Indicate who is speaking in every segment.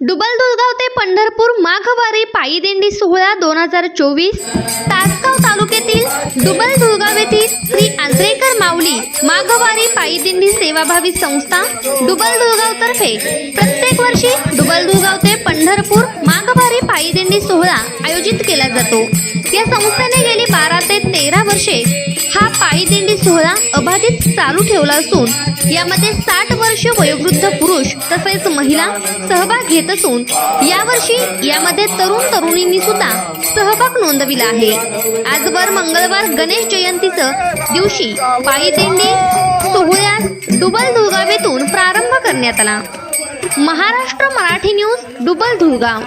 Speaker 1: डुबलदुर्गाव ते पंढरपूर माघवारी पायी दिंडी सोहळा 2024 तासगाव तालुक्यातील डुबलदुर्गाव येथील श्री आंद्रेकर माऊली माघवारी पायी दिंडी सेवाभावी संस्था डुबलदुर्गाव तर्फे प्रत्येक वर्षी डुबलदुर्गाव ते पंढरपूर माघवारी पायी दिंडी सोहळा आयोजित केला जातो। या संस्थेने गेली 12 ते 13 वर्षे हा पायी दिंडी सोहळा अबाधित चालू ठेवला असून यामध्ये 60 वर्ष वयोवृद्ध पुरुष तसेच महिला सहभाग घेत असून यावर्षी यामध्ये तरुण तरुणींनी सुद्धा सहभाग नोंदविला आहे। आजवर मंगळवार गणेश जयंतीच्या दिवशी पायी दिंडी सोहळ्यास डुबलदुर्गाव येथून प्रारंभ करण्यात आला। महाराष्ट्र मराठी न्यूज डुबलदुर्गाव।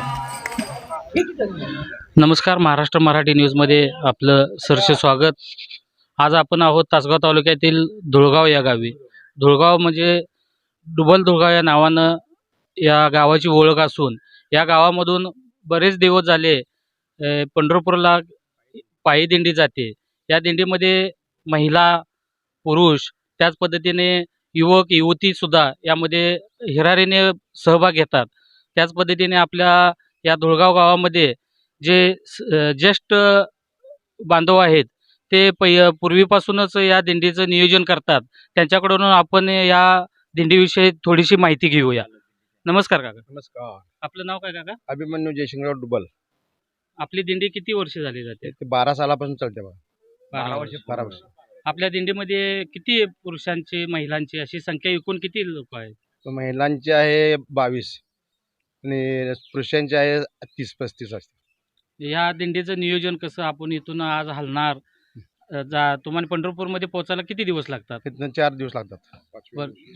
Speaker 2: नमस्कार, महाराष्ट्र मराठी न्यूजमध्ये आपलं सहर्ष स्वागत। आज आपण आहोत तासगाव तालुक्यातील धुळगाव या गावी। धुळगाव म्हणजे डुबलदुर्गाव या नावानं या गावाची ओळख असून या गावामधून बरेच दिवस झाले पंढरपूरला पायी दिंडी जाते। या दिंडीमध्ये महिला पुरुष त्याच पद्धतीने युवक युवतीसुद्धा यामध्ये हिरारीने सहभाग घेतात। त्याच पद्धतीने आपल्या या धुळगाव गावामध्ये जे ज्येष्ठ बांधव आहेत ते पूर्वीपासूनच या दिंडीचं नियोजन करतात। त्यांच्याकडून आपण या दिंडीविषयी थोडीशी माहिती घेऊया। नमस्कार काका।
Speaker 3: नमस्कार।
Speaker 2: आपलं नाव काय काका?
Speaker 3: अभिमन्यू जयशिंगराव डुबल।
Speaker 2: आपली दिंडी किती वर्ष झाली जाते?
Speaker 3: ते 12 सालापासून चालते बघा।
Speaker 2: 12 वर्ष।
Speaker 3: 12 वर्ष।
Speaker 2: आपल्या दिंडीमध्ये किती पुरुषांची महिलांची अशी संख्या एकूण किती लोक आहेत?
Speaker 3: महिलांची आहे 22 आणि पुरुषांची आहे 30-35 असते।
Speaker 2: या दिंडीचं नियोजन कसं? आपण इथून आज हलणार तुम्हाला पंढरपूरमध्ये पोहोचायला किती दिवस लागतात?
Speaker 3: तिथनं 4 दिवस लागतात।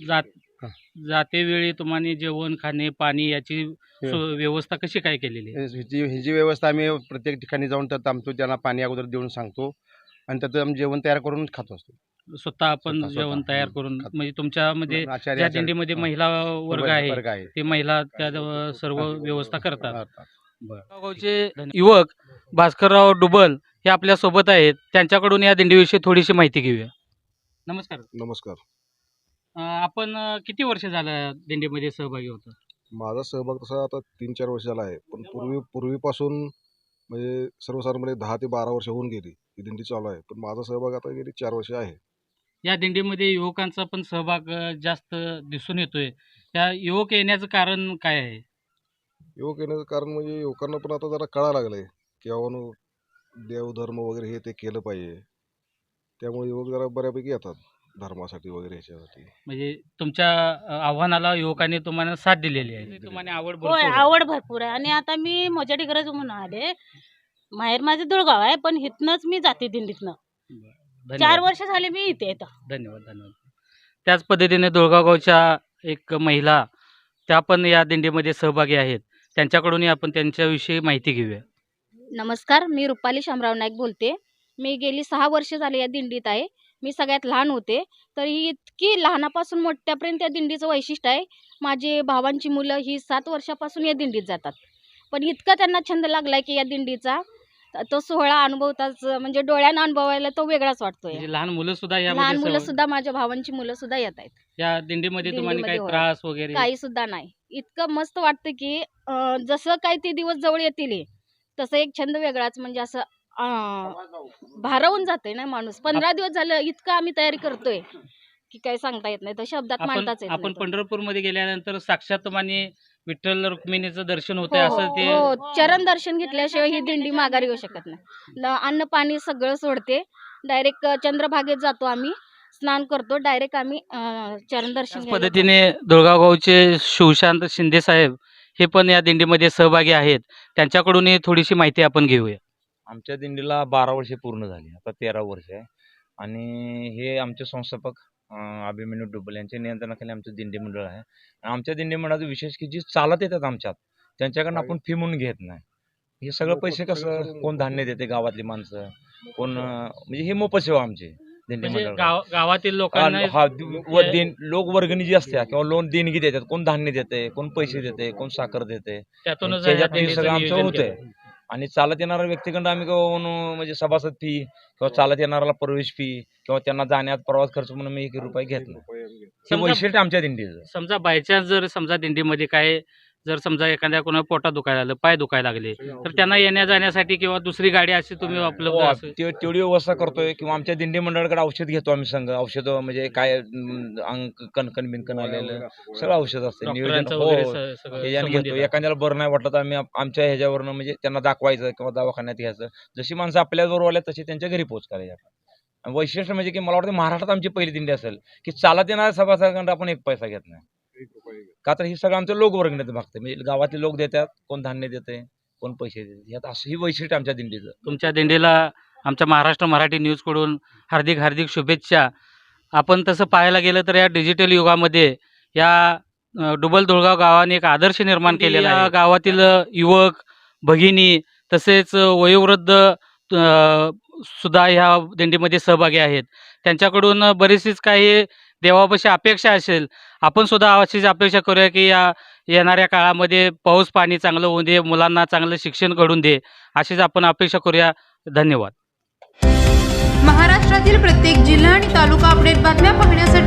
Speaker 2: जाते वेळी तुम्हाला जेवण खाणे पाणी याची व्यवस्था कशी काय केलेली आहे?
Speaker 3: ही व्यवस्था आम्ही प्रत्येक ठिकाणी जाऊन तर थांबतो, त्यांना पाणी अगोदर देऊन सांगतो आणि त्यात आम्ही जेवण तयार करून खातो असतो।
Speaker 2: स्वतः आपण जेवण तयार करून म्हणजे तुमच्यामध्ये ज्या दिंडीमध्ये महिला वर्ग आहे ते महिला त्या सर्व व्यवस्था करतात। गावचे युवक भास्करराव डुबल हे आपल्या सोबत आहेत, त्यांच्याकडून या दिंडीविषयी थोडीशी माहिती घेऊया। नमस्कार।
Speaker 4: नमस्कार।
Speaker 2: आपण किती वर्ष झालं दिंडीमध्ये सहभागी होता?
Speaker 4: माझा सहभाग तसा आता 3-4 वर्ष झाला आहे, पण पूर्वीपासून म्हणजे सर्वसाधारणपणे 10 ते 12 वर्ष होऊन गेली ही दिंडी चालू आहे, पण माझा सहभाग आता गेली 4 वर्ष आहे।
Speaker 2: या दिंडीमध्ये युवकांचा पण सहभाग जास्त दिसून येतोय, त्या युवक येण्याचं कारण काय आहे?
Speaker 4: युवक येण्याचं कारण म्हणजे युवकांना पण आता जरा कळायला लागलंय की बाबांनो देवधर्म वगैरे हे ते केलं पाहिजे, त्यामुळे युवक जरा बऱ्यापैकी येतात धर्मासाठी वगैरे ह्याच्यासाठी।
Speaker 2: म्हणजे तुमच्या आव्हानाला युवकांनी तुम्हाला साथ दिलेली आहे, तुम्हाला आवड भरपूर आहे?
Speaker 5: आवड भरपूर आहे आणि आता मी मोजाडी गरज म्हणून आले। माहेर माझं दुळगाव आहे, पण इथनंच मी जाते दिंडीतनं। 4 वर्ष झाले मी इथे येतो।
Speaker 2: धन्यवाद धन्यवाद। त्याच पद्धतीने धुळगाव गावच्या एक महिला त्या पण या दिंडीमध्ये सहभागी आहेत, त्यांच्याकडूनही आपण त्यांच्याविषयी माहिती घेऊया।
Speaker 6: नमस्कार, मी रुपाली शामराव नाईक बोलते। मी गेली 6 वर्ष झाले या दिंडीत आहे। मी सगळ्यात लहान होते, तरी इतकी लहानापासून मोठ्यापर्यंत या दिंडीचं वैशिष्ट्य आहे। माझे भावांची मुलं ही 7 वर्षापासून या दिंडीत जातात, पण इतका त्यांना छंद लागलाय की या दिंडीचा तो सोहळा अनुभवताच म्हणजे डोळ्यानं अनुभवायला तो वेगळाच वाटतोय।
Speaker 2: म्हणजे लहान मुलं सुद्धा
Speaker 6: लहान मुलं सुद्धा माझ्या भावांची मुलं सुद्धा येत आहेत
Speaker 2: या दिंडीमध्ये। तुम्हाला काही त्रास वगैरे
Speaker 6: काही सुद्धा नाही, इतकं मस्त वाटतं की जसं काही ते दिवस जवळ येतील तसं एक छंद वेगळाच म्हणजे असं भारावून जाते ना माणूस। 15 दिवस झालं इतकं आम्ही तयारी करतोय की काही सांगता येत नाही, तर शब्दात मांडताच येत नाही।
Speaker 2: आपण पंढरपूरमध्ये गेल्यानंतर साक्षात तुम्हाला विठ्ठल रुक्मिणीचं दर्शन होतंय असं ते?
Speaker 6: हो, चरण दर्शन घेतल्याशिवाय ही दिंडी माघारी येऊ शकत नाही। अन्न पाणी सगळं सोडते, डायरेक्ट चंद्रभागेत जातो आम्ही, स्नान करतो, डायरेक्ट आम्ही चरण दर्शन।
Speaker 2: पद्धतीने धुळगाव गावचे शिवशांत शिंदे साहेब हे पण या दिंडीमध्ये सहभागी आहेत, त्यांच्याकडूनही थोडीशी माहिती आपण घेऊया।
Speaker 7: आमच्या दिंडीला 12 वर्षे पूर्ण झाली, आता 13 वर्ष आहे आणि हे आमचे संस्थापक अभिमन्यू डुबल यांच्या नियंत्रणाखाली आमचं दिंडी मंडळ आहे। आमच्या दिंडी मंडळाचं विशेष की जी चालत येतात आमच्यात त्यांच्याकडनं आपण फी म्हणून घेत नाही। हे सगळं पैसे कसं कोण धान्य देते, गावातली माणसं कोण, म्हणजे हे मोफत आमचे दिंडी मंडळ
Speaker 2: गावातील लोकांना
Speaker 7: लोक वर्गणी जी असते किंवा लोन देणगी देतात, कोण धान्य देते, कोण पैसे देते, कोण साखर देते,
Speaker 2: त्यातूनच
Speaker 7: सगळं आमचं होतंय। आणि चालत येणाऱ्या व्यक्तीकडून आम्ही म्हणजे सभासद फी किंवा चालत येणाऱ्याला प्रवेश फी किंवा त्यांना जाण्यात प्रवास खर्च म्हणून मी 1 रुपया घेत नाही। हे वैशिष्ट्य आमच्या दिंडीचं।
Speaker 2: समजा बाय चान्स जर समजा दिंडीमध्ये काय जर समजा एखाद्या कोणा पोटात दुखायला लागलं, पाय दुखायला लागले, तर त्यांना येण्या जाण्यासाठी किंवा दुसरी गाडी अशी तुम्ही उपलब्ध असेल?
Speaker 7: तेवढी व्यवस्था करतोय किंवा आमच्या दिंडी मंडळाकडे औषध घेतो आम्ही संघ. औषधं म्हणजे काय अंग कणकण बिनकण आलेलं सगळं औषध असतं. नियोजन
Speaker 2: डॉक्टरांचं वगैरे
Speaker 7: हो ह्याच्यानं
Speaker 2: संबंधित
Speaker 7: घेतो.
Speaker 2: आहे.
Speaker 7: एखाद्याला बरं नाही वाटलं तर आम्ही आमच्या ह्याच्यावरनं म्हणजे त्यांना दाखवायचं किंवा दवाखान्यात घ्यायचं. जशी माणसं आपल्याबरोबर आल्या तशी त्यांच्या घरी पोहोच करायची आपण. आणि वैशिष्ट्य म्हणजे की मला वाटतं महाराष्ट्रात आमची पहिली दिंडी असेल की चालत येणाऱ्या सभासदांकडे आपण एक पैसा घेत नाही. का तर ही सगळं आमचं लोकवर्गणीत भागतं. म्हणजे गावातले लोक देतात, कोण धान्य देते, कोण पैसे देते. यात असं ही वैशिष्ट्य आमच्या दिंडीचं.
Speaker 2: तुमच्या दिंडीला आमच्या महाराष्ट्र मराठी न्यूजकडून हार्दिक हार्दिक शुभेच्छा. आपण तसं पाहायला गेलं तर या डिजिटल युगामध्ये या डुबल धुळगाव गावाने एक आदर्श निर्माण केलेला आहे. गावातील युवक भगिनी तसेच वयोवृद्ध सुद्धा ह्या दिंडीमध्ये सहभागी आहेत. त्यांच्याकडून बरीचशीच काही देवापाशी अपेक्षा असेल. आपण सुद्धा अशीच अपेक्षा करूया की या येणाऱ्या काळामध्ये पाऊस पाणी चांगलं होऊ दे, मुलांना चांगलं शिक्षण घडून दे, अशीच आपण अपेक्षा करूया. धन्यवाद.
Speaker 8: महाराष्ट्रातील प्रत्येक जिल्हा आणि तालुका अपडेट बातम्या पाहण्यासाठी